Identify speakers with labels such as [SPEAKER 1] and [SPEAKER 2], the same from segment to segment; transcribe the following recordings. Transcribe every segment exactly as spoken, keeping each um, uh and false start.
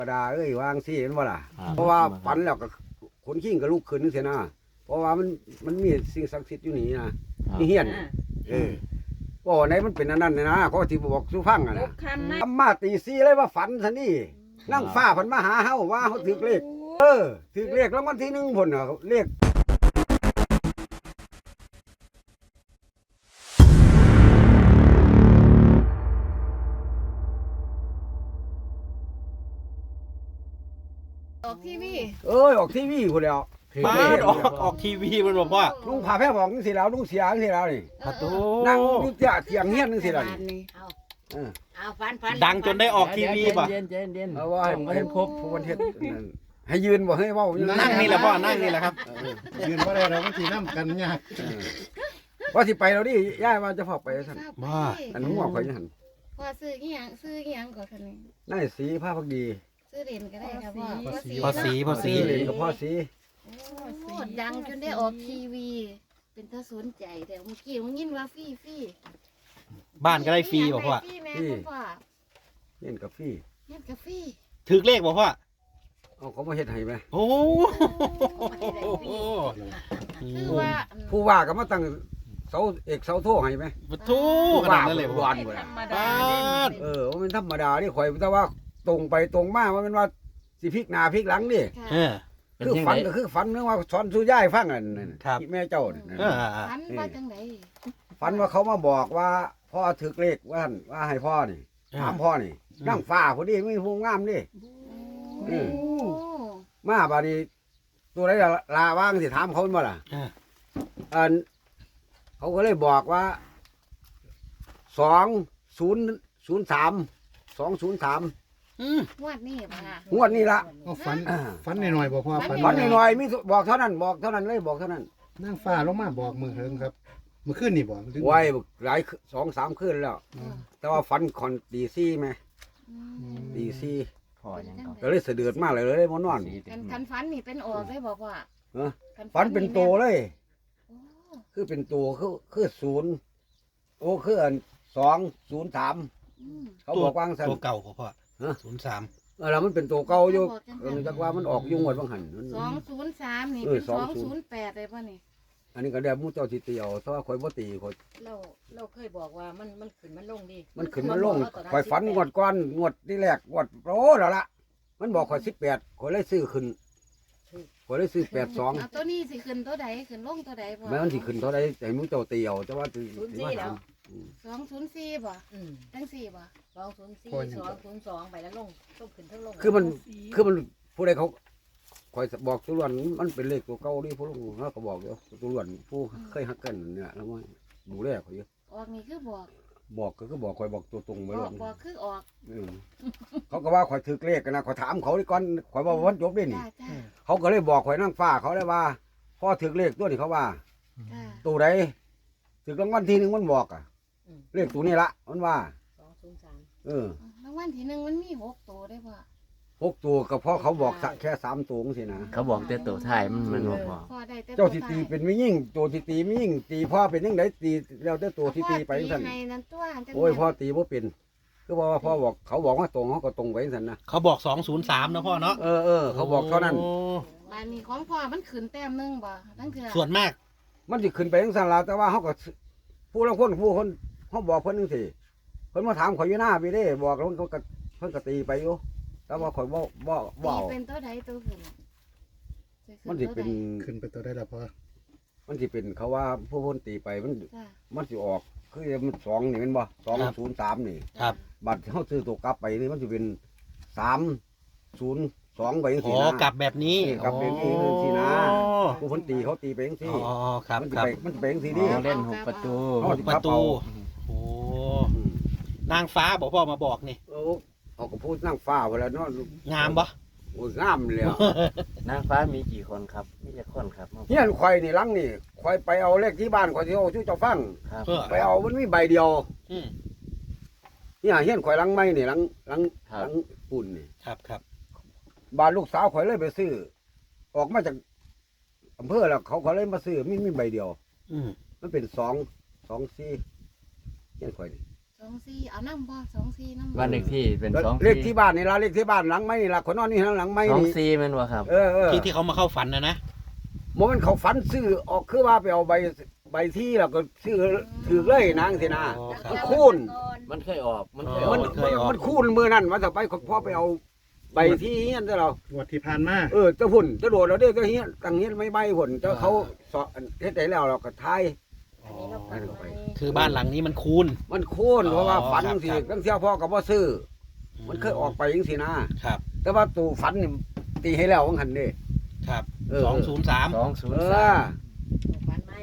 [SPEAKER 1] ธรรมดาเอ้ยวางซี่เห็นบ่ล่ะเพราะว่าฝันแล้วก็ขนขิ้งก็ลุกขึ้นนึงเสียนะเพราะว่ามันมันมีสิ่งศักดิ์สิทธิ์อยู่นี่นะนี่เฮียนเออบ่ไหนมันเป็นอันนั้นนะเขาที่บอกสู่ฟังอ่ะนะทำมาตีซี่เลยว่าฝันซะนี่นั่งฟ้าเพิ่นมาหาเฮาว่าเฮาถูกเลขเออถูกเลขรางวัลที่หนึ่งพุ่นน่ะเลข
[SPEAKER 2] ออกทีวี
[SPEAKER 1] เอ้ยออกทีวีพุ่นแล้ว
[SPEAKER 3] บ้านออกออกทีวีมันบอกว่า
[SPEAKER 1] ลุงพาแพ้บอกจังซี่แล้วลุงเสียจังซี่แล้วนี่
[SPEAKER 3] ประตู
[SPEAKER 1] นั่งอยู่เตียเถียงเฮียนจังซี่แล้วนี่
[SPEAKER 2] เอา
[SPEAKER 1] เออ
[SPEAKER 2] เอาฟันฟัน
[SPEAKER 3] ดังจนได้ออกทีวีป่ะ
[SPEAKER 4] เย็นเย็นเย็น
[SPEAKER 1] เอาว่าให้ให้ครบผู้วันเฮ็ดนั่นให้ยืนบ่ให้เว้าอยู่
[SPEAKER 3] นั่งนี่แหละพ่อนั่งนี่แหละครับ
[SPEAKER 5] ยืนว่าได้เราก็ทีน้ำกันยาก
[SPEAKER 1] ว่าสิไปแล้วดิย่ายว่าจะพาไปซั่น
[SPEAKER 3] บ้า
[SPEAKER 1] อันหัวข่อยหั่น
[SPEAKER 2] พอซื้ออีหยังซื้ออีหยังก่อนคันนี้
[SPEAKER 1] นายสีผ้าพักดี
[SPEAKER 2] ซื้อเหรียญก็ได้ครับพ่อ
[SPEAKER 3] พอสีพอสี
[SPEAKER 1] เล่นกับพ่อสี
[SPEAKER 2] โอ้ดังจนได้ออกทีวี เป็นตาสนใจแต่เมื่อกี้มันยินว่าฟรีฟรี
[SPEAKER 3] บ้านก็ได้ฟรีบอกพ่อ
[SPEAKER 2] ฟรีแม่คุณพ่อ
[SPEAKER 1] เล่นกับฟี่
[SPEAKER 2] เล่นกาแฟ
[SPEAKER 3] ถือเลขบอกพ่อ
[SPEAKER 1] เอาเขามาเฮ็ดให้ไหม
[SPEAKER 3] โอ้
[SPEAKER 2] คือว่า
[SPEAKER 1] ผู้ว่าก็มาตั้งเสาเอกเสาโทให้ไหม
[SPEAKER 3] ประตูขนาดนั้นเลย
[SPEAKER 1] ผู้
[SPEAKER 3] พ่อ
[SPEAKER 1] ว่าบ่ล่ะ
[SPEAKER 3] บ้าน
[SPEAKER 1] เออว่ามันธรรมดานี่ข่อยแต่ว่าตรงไปตรงมาว่ามันว่าสิพลิกหน้าพลิกหลังดิ
[SPEAKER 3] เออเป็น
[SPEAKER 1] คือ
[SPEAKER 3] ยัง
[SPEAKER 1] ฝั
[SPEAKER 3] ไง
[SPEAKER 1] นก็คือฝันเรื่องว่าสอนสู่ย่ายฟังอันนั้น
[SPEAKER 3] ครับ
[SPEAKER 1] ที่แม่เจ้านั่น
[SPEAKER 3] เออ
[SPEAKER 2] ฝันว่าจังได
[SPEAKER 1] ฝันว่าเขามาบอกว่าพ่อถึกเลขว่าหั่นว่าให้พ่อนี่ถามพ่อนี่นั่งฟ้าพอดีไม่ผู้งามดิ อืม
[SPEAKER 2] โอ้
[SPEAKER 1] มาบาดนี้ตัวไหนล่ะลาว่างสิถามเขาบ่ล่ะ
[SPEAKER 3] เออ
[SPEAKER 1] อันเขาก็เลยบอกว่าสองศูนย์ศูนย์สามสองศูนย์สาม
[SPEAKER 3] อืม
[SPEAKER 2] งวดนี้ป่ะ
[SPEAKER 1] งวดนี้ละ
[SPEAKER 5] ก็ฝันฝันหน่อยๆบอกว่าฝัน
[SPEAKER 1] ฝันหน่อยๆมีบอกเท่านั้นบอกเท่านั้นเลยบอกเท่านั้น
[SPEAKER 5] นั่งฟ้าลงมาบอกมือเฮิงครับมือขึ้นนี่บอก
[SPEAKER 1] ไว้หลายสองสามคืนแล้ว แต่ว่าฝันคอนตีซี่ไหมตีซี่
[SPEAKER 4] พอยังต่อ
[SPEAKER 1] ก็เลยเสะเดือดมากเลยเลยมานอน
[SPEAKER 2] กันคันฝันนี่เป็นออกได้บอกว่า
[SPEAKER 1] เออฝันเป็นโตเลย
[SPEAKER 2] โอ้
[SPEAKER 1] คือเป็นตัวคือคือศูนย์โอ้คืออันสองศูนย์สาม
[SPEAKER 2] อืม
[SPEAKER 1] เขาบอกว่างสัน
[SPEAKER 3] ตัวเก่าของพ่อ
[SPEAKER 1] ฮะ
[SPEAKER 3] ศูนย์สาม
[SPEAKER 1] เออแล้วมันเป็นตัวเก่าอยู่เออจักว่ามันออกยุ่งหมดบางหันมัน
[SPEAKER 2] สองศูนย์สามนี่
[SPEAKER 1] เออ
[SPEAKER 2] เป็นสอง
[SPEAKER 1] สองศู
[SPEAKER 2] ศู
[SPEAKER 1] น
[SPEAKER 2] น
[SPEAKER 1] ย์
[SPEAKER 2] ย์แปดเลยป่ะนี่
[SPEAKER 1] อันนี้ก็ได้มู้เจ้าสิเตียวเพราะว่าข่อยบ่ตีข่อย
[SPEAKER 6] เราเราเคยบอกว่ามันมันขึ้นมันลงดี
[SPEAKER 1] มันขึ้นมันลงข่อยฝันงวดก้อนงวดที่แรกงวดโอ้แล้วละมันบอกข่อยสิบแปดข่อยเลยซื้อขึ้นข่อยเลยซื้อแปดสอง
[SPEAKER 2] เอาตัวนี้สิขึ้นตัวใดขึ้นลงตัวใดบ่
[SPEAKER 1] แม้มันสิขึ้นเท่าไรแต่มู้เจ้าเตียวแต่ว่าสิสิมาถาม
[SPEAKER 2] สองศูนย์สี่บ่
[SPEAKER 6] อืม
[SPEAKER 2] จังสี่บ่
[SPEAKER 6] สองศูนย์สี่สองศูนย์สองไปแล้วลงต้องขึ้นทั้งลง
[SPEAKER 1] คือมันคือมันผู้ใดเขาข่อยบอกตุลวนมันเป็นเลขตัวเก่านี่ผู้ลงเขาก็บอกอยู่ตุลวนผู้เคยฮักกันเนี่ยแล้วว่าดูแลเขาอยู่
[SPEAKER 2] ออกนี่คือบอก
[SPEAKER 1] บอกก็คือบอกข่อยบอกตัวตรงไป
[SPEAKER 2] บ
[SPEAKER 1] เล
[SPEAKER 2] อย กบอกคือออก
[SPEAKER 1] อืมเขาก็ว่าข่อยถือเลขกันนะข่อยถามเขาดิก่อนข่อยว่าวันจบได้นี่
[SPEAKER 2] จ้าจ้า
[SPEAKER 1] เขาก็เลยบอกข่อยนั่งฟ้าเขาเลยว่าพ่อถือเลขตัวนี้เขาว่า
[SPEAKER 2] จ้า
[SPEAKER 1] ตัวใดถือรางวัลที่หนึ่งมันบอกอะเลขตัวนี้ละมันว่า
[SPEAKER 6] สองศูนย์สาม
[SPEAKER 1] เออ
[SPEAKER 2] รางวัลที่หนึ่งมันมีหกตัวได้บ่
[SPEAKER 1] หกตัวก็เพราะเขาบอกแค่สามตัวสินะ
[SPEAKER 4] เขาบอกแต่ตัวท้ายมันมันบอกพอ
[SPEAKER 2] พอได้แต่
[SPEAKER 1] เจ้าที่ตีเป็นไม่ยิ่งตัวที่ตีไม่ยิ่งตีพ่อเป็นยังไงตีแล้วแต่ตัวที่ตีไป
[SPEAKER 2] สั่
[SPEAKER 1] สั่น
[SPEAKER 2] ในนั้นตัวจัง
[SPEAKER 1] โอ้ยพ่อตีบ่เป็นคือว่าพ่อบอกเขาบอกว่าตรงเขาก็ตรงไปสั่นนะ
[SPEAKER 3] เขาบอกสองศูนย์สามนะพ่อเนาะ
[SPEAKER 1] เออเออเขาบอกเท่านั้น
[SPEAKER 3] โ
[SPEAKER 2] บ้านนี้ของพ่อมันขึ้นแต้มหนึงบ่ทั้งเถื่อ
[SPEAKER 3] ส่วนมาก
[SPEAKER 1] มันสิขึ้นไปทั้งสั่นแล้วแต่ว่าเขาก็ผู้ละคนผู้คนเขาบอกเพิ่นนึงสิเพิ่นมาถามข่อยอยู่หน้าพี่เด้บอกแล้วเขาก็เพิ่นก็ตีไปอยู่แต่ว่าข่อยบ่บ่บ่
[SPEAKER 2] ตี
[SPEAKER 1] เอา
[SPEAKER 2] เป็นตัวใดตัวขึ้น
[SPEAKER 1] มันสิเป็น
[SPEAKER 5] ขึ้นไปตัวได้ละพอ
[SPEAKER 1] มันสิเป็นเขาว่าผู้คนตีไปมัน
[SPEAKER 2] จ้า
[SPEAKER 1] มันสิออกคือมันสองนี่แมันบ่สองศูนย์สามนี่
[SPEAKER 3] ครับ
[SPEAKER 1] บัตรเขาซื้อตัวกลับไปนี่มันจะเป็นสามศูนย์สองไปยัง
[SPEAKER 3] อ๋
[SPEAKER 1] สี่
[SPEAKER 3] อ
[SPEAKER 1] นะ
[SPEAKER 3] กลับแบบนี้
[SPEAKER 1] กลับแบบนี้สินะ ผู้คนตีเขาตีไปยัง
[SPEAKER 3] อ๋
[SPEAKER 1] สี่
[SPEAKER 3] อครับ
[SPEAKER 1] มันจะ
[SPEAKER 3] ครับ
[SPEAKER 1] ไปมันจะไปยังสี่
[SPEAKER 4] อ๋
[SPEAKER 1] นี่
[SPEAKER 4] อเล่นหกประตู
[SPEAKER 1] อ๋อ
[SPEAKER 3] ประตู โอ้ นางฟ้าบอกพ่อมาบอกนี่
[SPEAKER 1] เออเขาก็พูดนั่งฟ้าเวลาเนาะ
[SPEAKER 3] งามปะ
[SPEAKER 1] โอ้ยงามเลยอะ
[SPEAKER 4] นางฟ้ามีกี่คนครับมีกี่คนครับ
[SPEAKER 1] เฮียนควายนี่หลังนี่ควายไปเอาเลขที่บ้านควายที่เอาชื่อเจ้าฟัง
[SPEAKER 4] ครับ
[SPEAKER 3] เออ
[SPEAKER 1] ไปเอามันมีใบเดียว
[SPEAKER 3] อืม
[SPEAKER 1] เนี่ยเฮียนควายหลังไม้นี่หลังหลังหลังปุ่นนี่
[SPEAKER 3] ครับครับ
[SPEAKER 1] บ้านลูกสาวควายเลยไปซื้อ ออกมาจากอำเภอแล้วเขาเขาเลยมาซื้อมีมีใบเดียว
[SPEAKER 3] อืม
[SPEAKER 1] มันเป็นสองสองสี่เฮียนควายนี่
[SPEAKER 2] สสองสี่เอาน้ำบ่สองสี่น้ำบ่
[SPEAKER 4] บ้านเลขที่เป็นสอง
[SPEAKER 1] เลขที่บ้านนี่ล่ะเลขที่บ้านหลังไม้นี่ล่ะคนนอนนี่หลังไม้
[SPEAKER 4] สอง
[SPEAKER 1] นี่
[SPEAKER 4] สี่แมันบ่ครับ
[SPEAKER 1] เออเออ
[SPEAKER 3] ที่ที่เขามาเข้าฝันนะนะ
[SPEAKER 1] โมมันเขาฝันซื้อออกคือว่าไปเอาใบใบที่แล้วก็ซื้อถือเลยนางสินะ
[SPEAKER 3] อ๋อครั
[SPEAKER 1] มั
[SPEAKER 3] บ
[SPEAKER 1] นคูณ
[SPEAKER 4] มันเคยออกมันเคยอ
[SPEAKER 3] อ๋
[SPEAKER 4] อ
[SPEAKER 1] มั
[SPEAKER 4] ก
[SPEAKER 1] น
[SPEAKER 3] มันเคยออก
[SPEAKER 1] มันคูณมือนั่นมาต่อไปพ่อไปเอาใบที่เฮียนเด้อเรา
[SPEAKER 5] งวดที่ผ่านมา
[SPEAKER 1] เออจะพุ่นจะโดดเราเด้อจะเฮียนตั้งเฮียนไม่ใบพุ่นจะเขาสอนเฮ็ดได้แล้วเราก็ทาย
[SPEAKER 6] อันนี้เราฝันไว้
[SPEAKER 3] คือบ้านหลังนี้มันคูณ
[SPEAKER 1] มันคูณเพราะว่า
[SPEAKER 3] อ๋อ
[SPEAKER 1] ฝัน
[SPEAKER 3] ครับ
[SPEAKER 1] สิ
[SPEAKER 3] ครับ
[SPEAKER 1] ตั้งเที่ยวพ่อก็บ่ซื้อมันเคยออกไปจังซี่นะ
[SPEAKER 3] ครับ
[SPEAKER 1] แต่ว่าตู่ฝันนี่ตีให้แล้วว่าหั่นเด้
[SPEAKER 3] ครับ
[SPEAKER 1] เออ
[SPEAKER 3] สองศูนย์สาม
[SPEAKER 4] สองศูน
[SPEAKER 1] เอ
[SPEAKER 4] ย์สา
[SPEAKER 1] อ
[SPEAKER 4] ม
[SPEAKER 6] ฝันไว้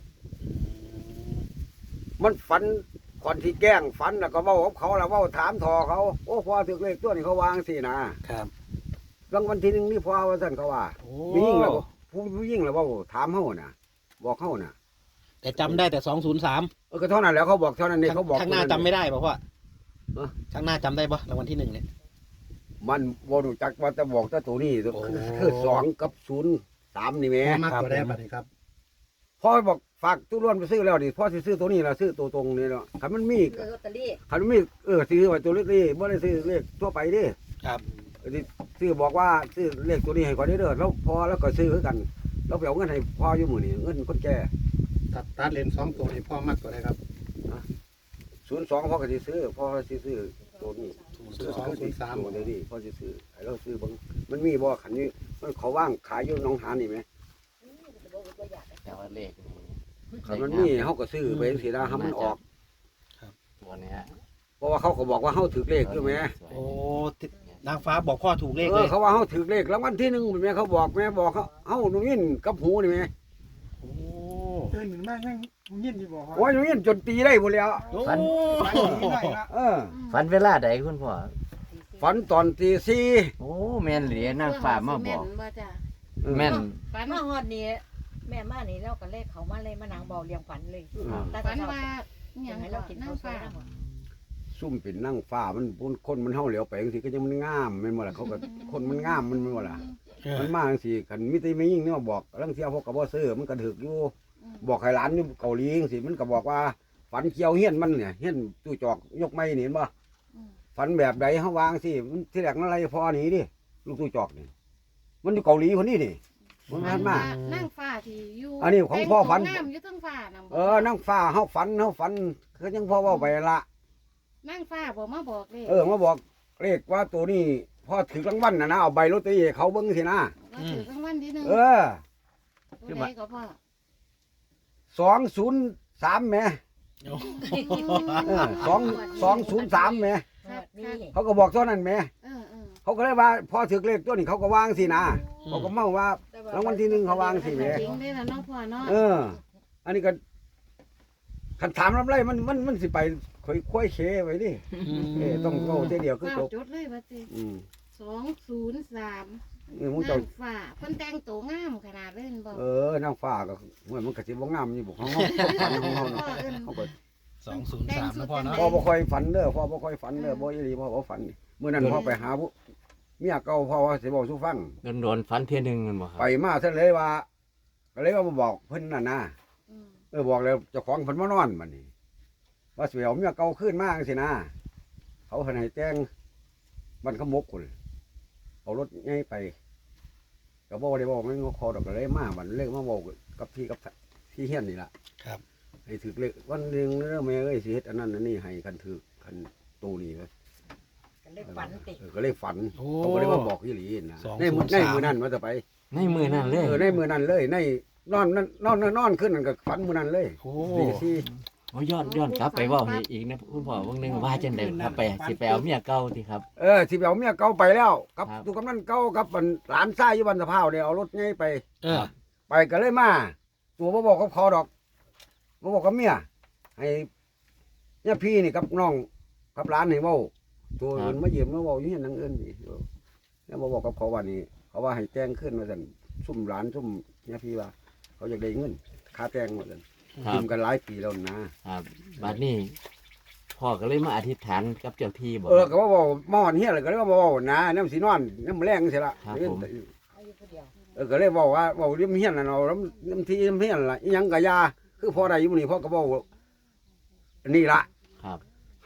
[SPEAKER 1] มันฝันก่อนที่แกล้งฝันแล้วก็เว้ากับเขาแล้วเว้าถามทอเขาโอ้พ่อถึกเลขตัวนี้เขาวางสินะครับ รางวัลที่หนึ่งนี่พ่อว่าซั่นเขาว่า
[SPEAKER 3] โอ้
[SPEAKER 1] ผู้หญิงแล้วผู้ผู้หญิงแล้วเว้าถามเฮาน่ะ บอกเฮาน่ะ
[SPEAKER 3] แต่จำได้แต่สองศูนย์สาม
[SPEAKER 1] เออก็เท่านั้นแหล้วเขาบอกเท่านั้นนี่เขาบอก
[SPEAKER 3] ข้างหน้าจำไม่ได้ป่ะพ่อ
[SPEAKER 1] เออ
[SPEAKER 3] ข้างหน้าจำได้ป่ะรางวัลที่หนึ่งเนี่ย
[SPEAKER 1] มันบ่รู้จักว่าจะบอกแต่ตัวนี้
[SPEAKER 3] โอ้
[SPEAKER 1] คือสองกับศูนย์สามนี่แหม
[SPEAKER 5] พ่อมัก
[SPEAKER 3] ครับ
[SPEAKER 5] ตัวได้บัดนี้ครับ
[SPEAKER 1] พ่อบอกฝากตู้ร่วนไปซื้อแล้วดิพ่อสิซื้อตัวนี้ล่ะซื้อตัวตรงนี่เนาะคันมันมี
[SPEAKER 6] คือลอตเตอรี่
[SPEAKER 1] คันมันมีเออซื้อไว้ตัวเล็กนี่บ่ได้ซื้อเลขทั่วไปดิ
[SPEAKER 3] ครับ
[SPEAKER 1] เออที่ซื้อบอกว่าซื้อเลขตัวนี้ให้ก่อนเด้อแล้วพอแล้วก็ซื้อคือกันแล้วไปเอาเงินให้พ่ออยู่มื้อนี้เงินคนแก่
[SPEAKER 5] ตัดตัดเลนสองตัวนี่พ่อมักตัวได้ครับ
[SPEAKER 1] ศูนย์สองพ่อก็สิซื้อพ่อสิซื้อตัวนี้
[SPEAKER 5] ศูนย์สองศูนย์สาม
[SPEAKER 1] ตัวนี้พ่อสิซื้อให้เราซื้อเบิ่งมันมีบ่คันนี้มันเขาว่างขายอยู่หนองหานนี่แหม
[SPEAKER 4] แต่ว่าเลขนี่
[SPEAKER 1] คันมันมีเฮาก็ซื้อไปจังซี่นะให้มันออก
[SPEAKER 4] ตัวเนี้ย
[SPEAKER 1] เพราะว่าเขาก็บอกว่าเฮาถือเลขอยู่แหม
[SPEAKER 3] โอ้ตินางฟ้าบอกพ่อถูกเลข
[SPEAKER 1] เอ
[SPEAKER 3] เล
[SPEAKER 1] อย เขาว่าเฮาถือเลขรางวัลที่หนึ่งแม่เขาบอกแม่บอกเขาเฮาหนูยินกับหูนี่แม่
[SPEAKER 3] โอ้
[SPEAKER 7] ตื่นขึ้นมายังยินอยู่บ่ครับ
[SPEAKER 1] โอ้ยหนูยินจนตีได้พุ่นแล้ว
[SPEAKER 4] ฝัน
[SPEAKER 7] ไปที่ไหนละ
[SPEAKER 1] เออ
[SPEAKER 4] ฝันเวลาใดคุณพ่อ
[SPEAKER 1] ฝันตอนตีสี่
[SPEAKER 4] โอ้แม่นเหลียนางฟ้ามาบอก
[SPEAKER 2] เพื่นบ่จ้ะ
[SPEAKER 4] แม่น
[SPEAKER 2] ฝัน
[SPEAKER 6] มาฮอดนี้แม่มานี่เราก็เลขเขามาเลยมานางบอกเรียงฝันเลย
[SPEAKER 4] ครับ
[SPEAKER 6] แต่
[SPEAKER 2] ฝัน
[SPEAKER 6] เช้า
[SPEAKER 2] ว่าอ
[SPEAKER 6] อ
[SPEAKER 2] หย่าง
[SPEAKER 6] ยากให้
[SPEAKER 2] เรา
[SPEAKER 6] เรา
[SPEAKER 2] กิ
[SPEAKER 6] กิ
[SPEAKER 2] น
[SPEAKER 6] น
[SPEAKER 2] น้ำ
[SPEAKER 6] ข้าวสว
[SPEAKER 2] ฟ้าย
[SPEAKER 6] นะ
[SPEAKER 1] ซุ่มเป็นนั่งฟ้ามันปุ่นคนมันเฮาเหลียวไปจังซี่ก็ยังมันงามแม่นบ่ล่ะเขาก็คนมันงามมันแม่นบ่ล่ะ
[SPEAKER 3] เออ
[SPEAKER 1] มันมาจังซี่กันมีแต่ไม่ยิ่งเนี่ยบอกลังเที่ยวพวกก็บ่ซื้อมันก็ถึกอยู่ บอกให้หลานอยู่เกาหลีจังซี่มันก็บอกว่าฝันเกี่ยวเฮียนมันเนี่ยเฮียนตู้จอกยกไม้นี่เห็นบ่
[SPEAKER 2] อืม
[SPEAKER 1] ฝันแบบใดเฮาวางสิมันที่แรกมันอะไรพอหนีดิลูกตู้จอกนี่มันอยู่เกาหลีคนนี้นี่มัน
[SPEAKER 2] ฝั
[SPEAKER 1] มาน มา
[SPEAKER 2] ว่านั่งฟ้าที่อยู่
[SPEAKER 1] อันนี้ของพ่อฝัน
[SPEAKER 2] แต่งตัวงามอยู่เทั้งฟ้านํบ่
[SPEAKER 1] เออนั่งฟ้าเฮาฝันเฮาฝันคือยังพ่อเว้าไปละ
[SPEAKER 2] นั่งฟ้าบ่มาบอกเลย
[SPEAKER 1] เออมาบอกเลขว่าตัวนี้พอถือรางวัลน่ะนะเอาใบลอตเตอรี่ให้เขาเบิ่งสินะ
[SPEAKER 2] ว่าถือรางวัลที่หนึ่ง
[SPEAKER 1] เออ
[SPEAKER 2] ตัวใดก็พ่อ
[SPEAKER 1] สองศูนย์สามแหม่
[SPEAKER 3] โอ้
[SPEAKER 1] เออสองสองศูนย์สามแหม่
[SPEAKER 2] ครับ
[SPEAKER 6] นี่
[SPEAKER 2] ครับ
[SPEAKER 1] เขาก็บอกเท่านั้นแหม่
[SPEAKER 2] เออเออ
[SPEAKER 1] เขาก็เลยว่าพอถือเลขตัวนี้เขาก็วางสินะเขาก็เมาว่า รางวัลที่หนึ่งเขาวางสิแหม่
[SPEAKER 2] จริงได้อล่ะเนาะพ่อเนาะ
[SPEAKER 1] เออ อันนี้ก็คันถามรับไรมันมันมันสิไปค่อยค่อยเคไว้ดิเออต้องโง่เดียวคือ
[SPEAKER 2] เฝ้า
[SPEAKER 1] จบ
[SPEAKER 2] จดเลยว่าสิ
[SPEAKER 1] อืม
[SPEAKER 2] สองศูนย์สาม
[SPEAKER 1] เออมึงเจ้า
[SPEAKER 2] นั่งฟ้าเพิ่นแต่งตัวงามขนาดเล่นบ่
[SPEAKER 1] เออนางฟ้าก็เหมือนมันกระสิบ่งามอยู่บ่ของเฮาฝันของเฮา
[SPEAKER 2] พ่อ
[SPEAKER 1] เนาะ
[SPEAKER 2] เอิ้น
[SPEAKER 1] เขาก็
[SPEAKER 3] สองศูนย์สามนะพ่อเนาะ
[SPEAKER 1] พ่อบ่ค่อยฝันเด้อพ่อบ่ค่อยฝันเด้อบ่อีหลีพ่อบ่ฝันมื้อนั้นพ่อไปหาผู้เมียเก่าพ่อว่าสิบอกสู่ฟัง
[SPEAKER 4] โดนๆฝันเที่ยหนึงแมันบ่ครั
[SPEAKER 1] ไป
[SPEAKER 4] บ
[SPEAKER 1] มาซะเลยว่าก็เลยว่ามาบอกเพิ่นนั่นนะ
[SPEAKER 2] อืม
[SPEAKER 1] เออบอกแล้วเจ้าของเพิ่นมานอนบัดนี้ว่าสิเอาเมียเก่าขึ้นมาจังซี่นะเขาเพิ่นให้แต่งมันขมกพุ่นเอารถใหญ่ไปก็บ่ได้บอกมันคอดอกก็เลยมาบัดเลยมาบอกกับพี่กับพี่เฮียนนี่ล่ะ
[SPEAKER 3] ครับ
[SPEAKER 1] ให้ถึกเลขวันหนึงเด้อแม่เอ้ยสิเฮ็ดอันนั้นอันนี้ให้กันถึกคันตูนี่เลย
[SPEAKER 6] ก็เลขฝันติ
[SPEAKER 1] เออก็เลยฝัน
[SPEAKER 3] โอ้
[SPEAKER 1] เขาก็เลยมาบอกอีหลีนะ
[SPEAKER 3] สอง
[SPEAKER 1] ในมือ
[SPEAKER 3] ศูนย์
[SPEAKER 1] ใน
[SPEAKER 3] สาม
[SPEAKER 1] มือนั้นว่าจะไป
[SPEAKER 4] ในมือนั่นเลย
[SPEAKER 1] เออในมือนั้นเลยในนอนนั่นนอนนอนนอนขึ้นนั่นก็ฝันมือนั้นเลย
[SPEAKER 3] โอ้
[SPEAKER 1] ตีสี่
[SPEAKER 4] โอ้ย้อนย้อนกลับไปเว่าให้อีกนะคุณพ่อเบางหนึงว่าจังได๋ครับไปสิไปเอาเมียเก่าติครับ
[SPEAKER 1] เออสิไปเอาเมียเก่าไปแล้วกับ
[SPEAKER 4] ครับ
[SPEAKER 1] ตุกกำนันเก่ากับอันหลานชายอยู่บ้านสะพร้าวเนี่ยเอารถไงไป
[SPEAKER 3] เออ
[SPEAKER 1] ไปก็เลยมาตัวบ่บอกกับเขาดอกบ่บอกกับเมียให้เนี่ยพี่นี่กับน้องกับหลานให้เว้าตัวอื่นมาเยี่ยมมาเว้าอยู่เฮียนนางเอิ้นนี่เออแล้วบ่บอกกับเขาว่านี่เขาว่าให้แต่งขึ้นว่าซั่นซุ่มหลานซุ่มเนี่ยพี่ว่า เขาอยากได้เงินค่าแต่งว่าซั่น
[SPEAKER 4] ครั
[SPEAKER 1] ยื
[SPEAKER 4] บ
[SPEAKER 1] มกันหลายปีแล้วนะ
[SPEAKER 4] ครับบัดนี้พ่อก็เลยมาอธิษฐานกับเจ้าที่บอก
[SPEAKER 1] เออก็ว่าบอกมาหอนเฮียเลยก็เลยว่าบอกนะน้ำสีนอนน้ำแรงสิละ
[SPEAKER 4] ครับผม
[SPEAKER 6] เอาอยู่ผู้เดียว
[SPEAKER 1] เออก็เลยบอกว่าบอกเรื่องเฮียนน่ะเนาะน้ำน้ำที่น้ำเฮียนล่ะอิหยังกะยาคือพอได้อยู่นี่พ่อก็บอกอันนี่ละ
[SPEAKER 4] ครับ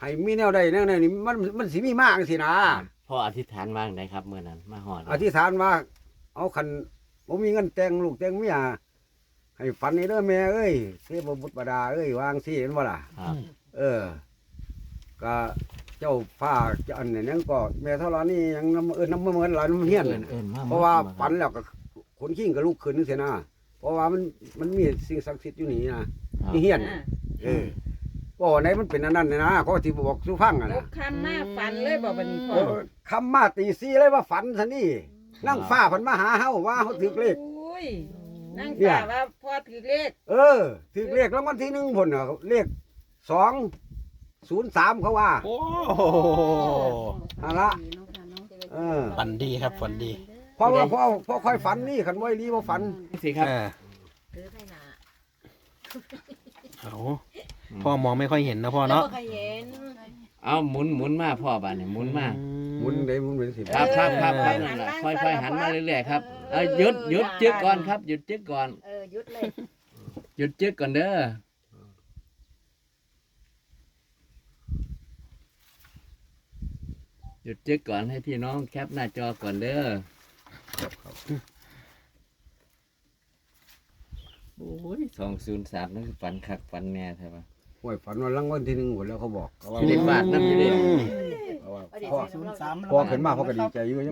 [SPEAKER 1] ให้มีแนวใดแนวใดนี่มันมันสิมีมากสินะ
[SPEAKER 4] พ่ออธิษฐานว่าจั่งใดครับเมื่อนั้นมาฮอด
[SPEAKER 1] อธิษฐานว่า เอาคันบ่มีเงินแต่งลูกแต่งเมียให้ฝันนี่เด้อแม่เอ้ยเทพบุตรบดาเอ้ยวางสิเห็นบ่ล่ะ
[SPEAKER 4] ครับ
[SPEAKER 1] เออ ก็เจ้าฟ้าเจ้าอันนี้ยังก็แม่เท่าไรนี่ยังน้ำเอินน้ำเหมือนหลานน้ำเฮียน
[SPEAKER 4] เอิ้
[SPEAKER 1] น่ะ
[SPEAKER 4] นเอิ้นมา
[SPEAKER 1] เพราะว่า
[SPEAKER 4] มา
[SPEAKER 1] ฝันแล้วก็คนขิ้งก็ลุกขึ้นนึกเสียนะเพราะว่ามันมันมีสิ่งศักดิ์สิทธิ์อยู่นี่นะครับ นี่เฮียนน่ะเออบ่ไหนมันเป็นอันนั้นน่ะนะเขาที่บอกสู่ฟังอ่ะ
[SPEAKER 8] ล
[SPEAKER 1] นะ
[SPEAKER 8] บคำมาฝันเลยบอกวันนี้พ่อ
[SPEAKER 1] โอ้คำมาตีซีเลยว่าฝันซะนี่นั่งฟ้าเพันมาหาเฮาว่าเฮาถือเลข
[SPEAKER 8] โอ้ยนั่ง
[SPEAKER 1] เนี่ย
[SPEAKER 8] ฝ่าว่าพ่อถือเลข
[SPEAKER 1] เออถือเลขรางวัลที่หนึ่งพุ่นน่ะเลขสองศูนย์สามเขาว่า
[SPEAKER 3] โอ้
[SPEAKER 1] เอาละ เออ
[SPEAKER 3] ฝันดีครับฝันดี
[SPEAKER 1] เพราะว่าพ่อพ่อค่อยฝันนี่ขันไว้รีว่าฝัน
[SPEAKER 4] สิครับ
[SPEAKER 3] เออ
[SPEAKER 6] ถือให้หนา
[SPEAKER 3] เอาพ่อมองไม่ค่อยเห็นนะพ่อเนาะ
[SPEAKER 6] บ่เคยเห็น
[SPEAKER 4] เอาหมุนหมุนมาพ่อบ้านนี่หมุนมา
[SPEAKER 1] หมุนได้หมุนเป็นสิบ
[SPEAKER 4] ครับครับครับครับนั่นแหละค่อยๆหันมาเรื่อยๆครับเอาหยุดหยุดจึกก่อนครับหยุดจึกก่อน
[SPEAKER 6] เออหยุดเลย
[SPEAKER 4] หยุดจึกก่อนเด้อหยุดจึกก่อนให้พี่น้องแคปหน้าจอก่อนเด้อโอ้ยสองศูนย์สามนั่นคือฝันคักฝันแน่ใช่ปะ
[SPEAKER 1] โอ้ยฝันว่ารางวัลที่หนึ่งหมดแล้วเขาบอกเขาว่า
[SPEAKER 4] อยู่ในบ้านน้ำอยู่ดิ
[SPEAKER 1] เขาว่า
[SPEAKER 6] เอาดิ
[SPEAKER 1] พ่อ
[SPEAKER 7] ศูนย์สาม
[SPEAKER 1] พ่อขึ้นมาพ่อก็ดีใจอยู่